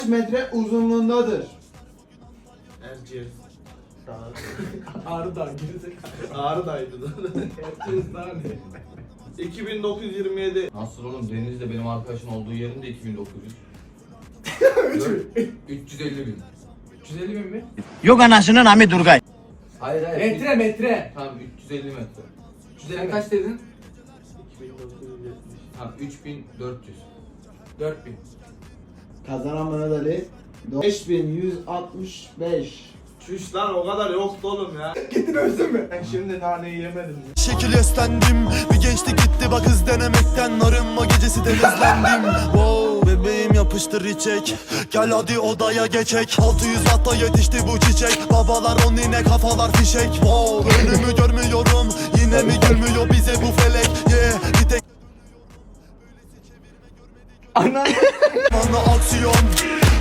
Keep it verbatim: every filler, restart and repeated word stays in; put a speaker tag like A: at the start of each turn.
A: Kaç metre uzunluğundadır?
B: Erciyes.
C: Ağrı Dağı gerizekalı.
B: Ağrı Dağ'ydı.
C: Erciyes daha ne?
B: iki bin dokuz yüz yirmi yedi.
D: Nasıl oğlum? Deniz'de benim arkadaşın olduğu yerin de iki bin dokuz yüz. üç yüz elli bin.
C: üç yüz elli bin mi?
E: Yok anasının Ami Durgay.
D: Hayır hayır.
C: Metre metre.
D: Tamam üç yüz elli metre.
C: üç yüz elli
D: Sen kaç dedin?
B: iki bin dokuz yüz yetmiş.
D: Tamam üç bin dört yüz.
C: dört bin.
A: Kazanan Mehmet Ali beş bin yüz altmış beş.
B: Çüş lan o kadar yoktu oğlum ya.
C: Gittin ölsün mü?
B: Ben şimdi naneyi yemedim.
F: Şekil eslendim. Bir gençti gitti bak hız denemekten. Arınma gecesi denizlendim. Wow bebeğim yapıştır içek. Gel hadi odaya geçek. altı yüz watta yetişti bu çiçek. Babalar on yine kafalar fişek. Wow önümü görmüyorum. Yine mi gülmüyor bize bu felek. Yeah bir tek
C: Ana.
F: bana aksiyon.